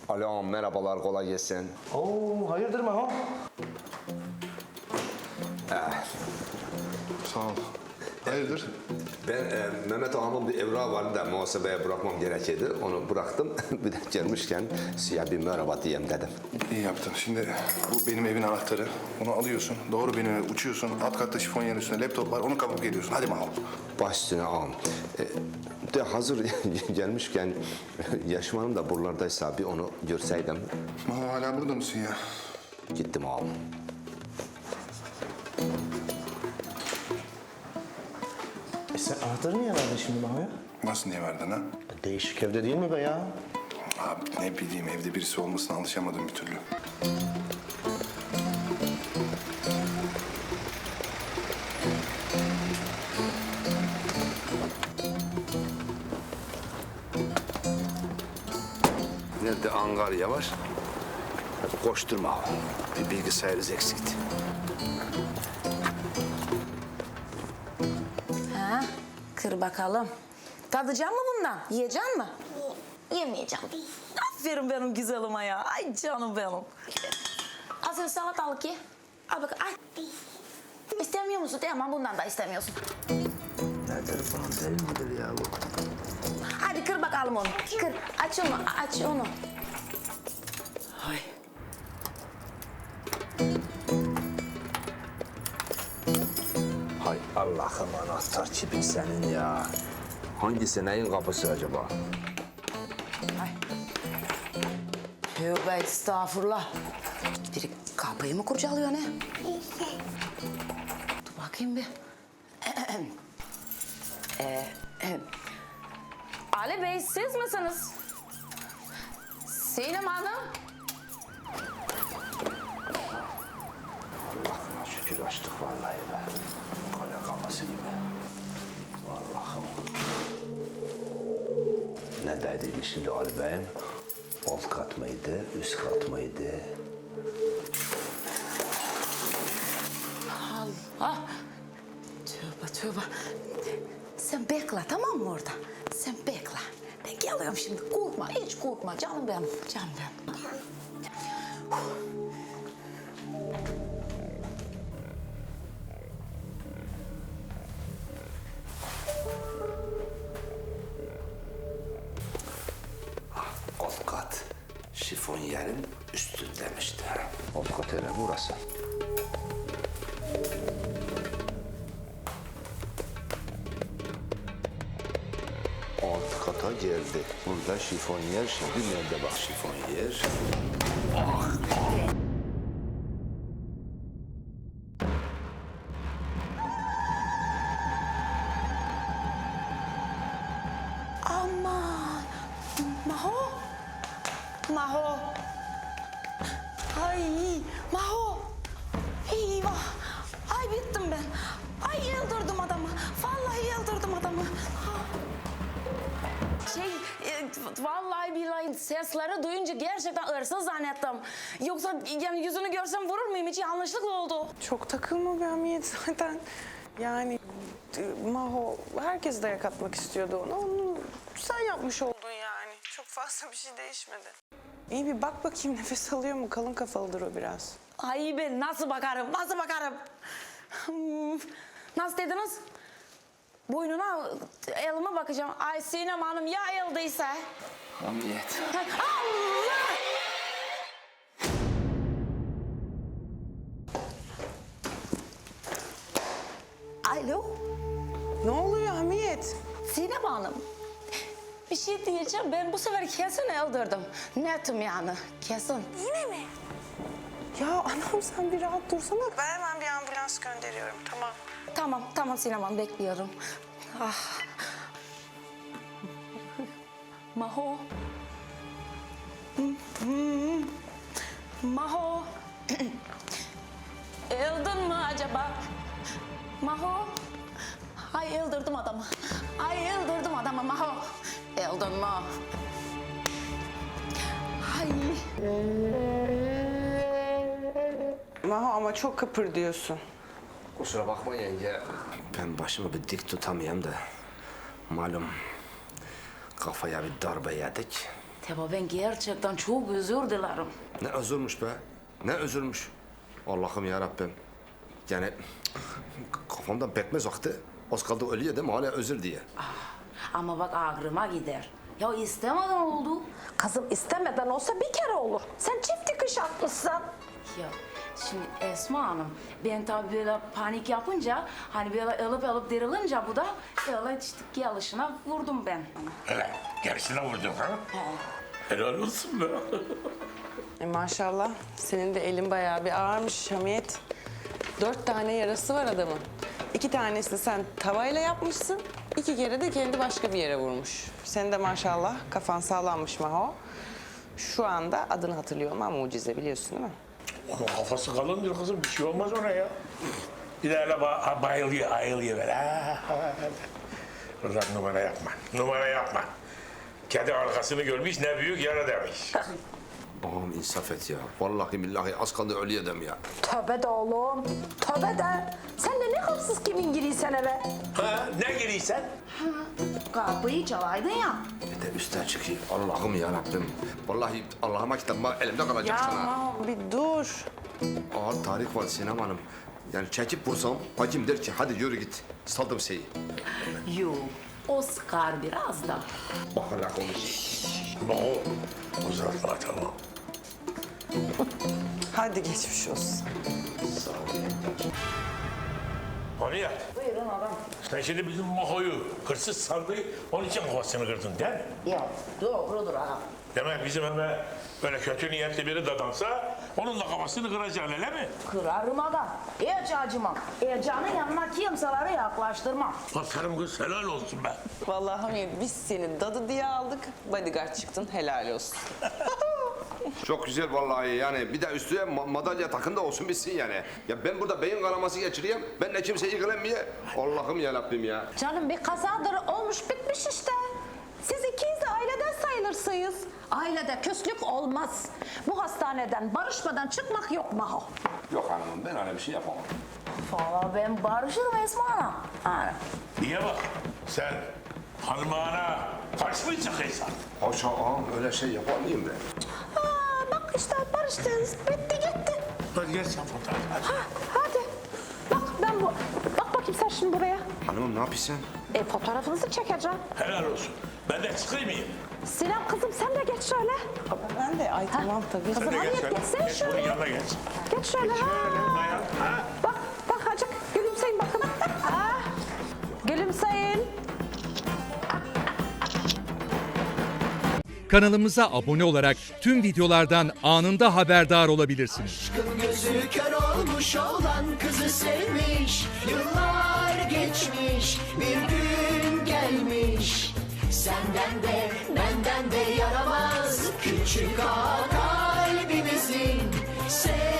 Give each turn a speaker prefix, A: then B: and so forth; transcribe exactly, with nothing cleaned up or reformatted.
A: Alo, merhabalar, kolay gelsin.
B: Oo, hayırdır Maho?
C: Sağ ol. Hayırdır?
A: Ben e, Mehmet ağamın bir evrağı vardı da muhasebeye bırakmam gerekirdi. Onu bıraktım. Bir de gelmişken size bir merhaba diyeyim dedim.
C: İyi yaptın. Şimdi bu benim evin anahtarı. Onu alıyorsun. Doğru benim eve uçuyorsun. Alt katta şifonyerin üstünde laptop var. Onu kapıp geliyorsun. Hadi Maho.
A: Baş üstüne ağam. E, de hazır gelmişken Yaşım Hanım da buralardaysa bir onu görseydim.
C: Maho hala burada mısın ya?
A: Gittim ağam.
B: E sen anahtarı niye verdin şimdi Maho'ya?
C: Nasıl niye verdin ha?
B: Değişik evde değil mi be ya?
C: Abi ne bileyim evde birisi olmasına alışamadım bir türlü.
A: Nerede Angarya var? Koşturma ağam. Bir bilgisayarınız eksikti.
D: Ha, kır bakalım. Tadacak mı bundan? Yiyecek mi? Yemeyeceğim. Aferin benim güzelime ya. Ay canım benim. Al sen salatalık ye. Al bak, ay. İstemiyor musun? Tamam, bundan da istemiyorsun.
A: Nedir falan değil midir ya bu?
D: Hadi kır bakalım onu. Kır. Aç onu, aç onu. Ay.
A: Hay Allah'ım anahtar çipin senin ya. Hangisi neyin kapısı acaba?
D: Ay. Tövbe estağfurullah. Biri kapıyı mı kurcalıyor ne? Dur bakayım bir. ee, Ali Bey siz misiniz? Sinem Hanım.
A: Allah'ıma şükür açtık vallahi be. Kale kapısı gibi. Allah'ım. Ne dediydi şimdi Ali Bey'im? Alt kat mıydı, üst kat mıydı?
D: Allah. Tövbe tövbe. Sen bekle tamam mı orada? Sen bekle. Ben geliyorum şimdi. Korkma, hiç korkma. Canım benim, canım benim.
A: Alt kat. Şifonyerin üstündemişti. Alt kat öyle burası. Alt kata geldi. Burada şifonyer. Şimdi nerede bak şifonyer?
D: Aman. Maho. Maho. Ay Maho. Eyvah. Ay bittim ben. Ay yıldırdım adamı. Vallahi yıldırdım adamı. Şey, e, vallahi billahi sesleri duyunca gerçekten hırsız zannettim. Yoksa yani yüzünü görsem vurur muyum? Hiç yanlışlıkla oldu.
E: Çok takılma be Hamiyet zaten. Yani e, Maho herkes dayak atmak istiyordu ona. Onu sen yapmış oldun yani. Çok fazla bir şey değişmedi. İyi bir bak bakayım nefes alıyor mu? Kalın kafalıdır o biraz.
D: Ay ben nasıl bakarım, nasıl bakarım? Hmm, Nasıl dediniz? Boynuna, elime bakacağım. Ay Sinem Hanım ya eldeyse?
A: Hamiyet.
D: Allah! Alo,
E: Ne oluyor Hamiyet?
D: Sinem Hanım. Bir şey diyeceğim, ben bu sefer kesin öldürdüm. Netim yani, kesin.
E: Yine mi? Ya anam sen bir rahat dursana. Ben hemen bir ambulans gönderiyorum tamam.
D: Tamam, tamam Sinem Hanım, bekliyorum. Ah. Maho. Hmm. Maho. Öldün mü acaba? Maho. Ay öldürdüm adamı. Ay öldürdüm adamı Maho. Öldün mü? Ay.
E: Maho ama çok kıpırdıyorsun.
A: Kusura bakma yenge. Ben başımı bir dik tutamayayım da. Malum kafaya bir darbe yedik.
D: Teba ben gerçekten çok özür dilerim.
A: Ne özürmüş be. Ne özürmüş. Allah'ım ya Rabbim. Yani kafamdan pekmez aktı. Az kaldı ölüyor değil mi? Hala özür diye.
D: Ama bak ağrıma gider. Ya istemeden oldu.
F: Kızım istemeden olsa bir kere olur. Sen çift dikiş atmışsın.
D: Ya şimdi Esma Hanım, ben tabii böyle panik yapınca, hani böyle alıp alıp derilince bu da böyle işte gelişine vurdum ben.
G: Hele gerisine vurdun ha? Helal olsun be.
E: E maşallah senin de elin bayağı bir ağırmış Hamiyet. Dört tane yarası var adamın. İki tanesi sen tavayla yapmışsın. İki kere de kendi başka bir yere vurmuş. Senin de maşallah kafan sağlammış Maho. Şu anda adını hatırlıyorum ama mucize biliyorsun değil mi?
G: Onun kafası kalındır kızım, bir şey olmaz ona ya. Bir de öyle ba bayılıyor, ayılıyor böyle. Ha, ha, ha. Kızlar numara yapma, numara yapma. Kedi arkasını görmüş, ne büyük yara demiş.
A: Ağam insaf et ya. Vallahi billahi az kaldı ölüyor dem ya.
F: Tövbe de oğlum. Tövbe de. Sen de ne hırsız kimin giriysen eve.
G: Ha, ne giriysen?
D: Kapıyı çalaydın ya.
A: Bir de üstten çıkayım. Allah'ım ya Rabbim. Vallahi Allah'ıma kitabıma elimde kalacak
E: Ya
A: sana.
E: Maho bir dur.
A: Ağır tarih var Sinem Hanım. Yani çekip vursam bacım der ki hadi yürü git. Saldım şeyi.
D: Yok, o sıkar biraz da.
A: Bak hala konuş.
G: Maho, uzatma tamam.
E: Hadi geçmiş olsun.
G: Hamiyet,
D: Buyurun adam.
G: sen şimdi bizim Maho'yu hırsız sandı, onun için kafasını kırdın değil mi?
D: Ya doğrudur adam.
G: Demek bizim eve böyle kötü niyetli biri dadansa, onun da kafasını kıracaksın öyle mi?
D: Kırarım adam. Hiç acımam. Ercan'ın yanına kimseleri yaklaştırmam.
G: Aferin kız, helal olsun be.
E: Vallahi Hamiyet biz seni dadı diye aldık. Bodyguard çıktın helal olsun.
A: Çok güzel vallahi yani bir de üstüne ma- madalya takın da olsun bitsin yani. Ya ben burada beyin kanaması geçireyim, ben de kimseyi ilgilenmeye. Allah'ım ya Rabbim ya.
F: Canım bir kazadır olmuş bitmiş işte. Siz ikiniz de aileden sayılırsınız. Ailede küslük olmaz. Bu hastaneden barışmadan çıkmak yok Maho.
A: Yok hanımım ben öyle bir şey yapamam.
D: Valla ben barışırım Esma Hanım. Ha.
G: Niye bak, sen hanımağına karşı mı çıkıyorsun?
A: Haşa ağam öyle şey yapar mıyım ben?
F: Aa, bak işte barıştınız. Bitti gitti.
G: Hadi gel sen fotoğraf. Hadi.
F: Ha, hadi. Bak ben bu... Bak bakayım sen şimdi buraya.
A: Hanımım ne yapıyorsun?
F: E fotoğrafınızı çekeceğim.
G: Helal olsun. Ben de çıkayım mıyım?
F: Sinem kızım sen de geç şöyle.
E: Ben de ay tamam tabii.
F: Kızım
G: Sen de
F: hadi
G: geç şöyle.
F: geçsene
G: Geç bunun
F: şöyle.
G: yanına geç.
F: Geç şöyle.
G: Geç şöyle,
F: Ha.
G: dayan. Ha?
F: Bak bak acık gülümseyin bakın. Ha. Gülümseyin.
H: Kanalımıza abone olarak tüm videolardan anında haberdar olabilirsiniz.
I: Aşkın gözü kör olmuş olan kızı sevmiş. Yıllar geçmiş bir gün gelmiş. Senden de benden de yaramaz küçük ağa kalbimizin. Sev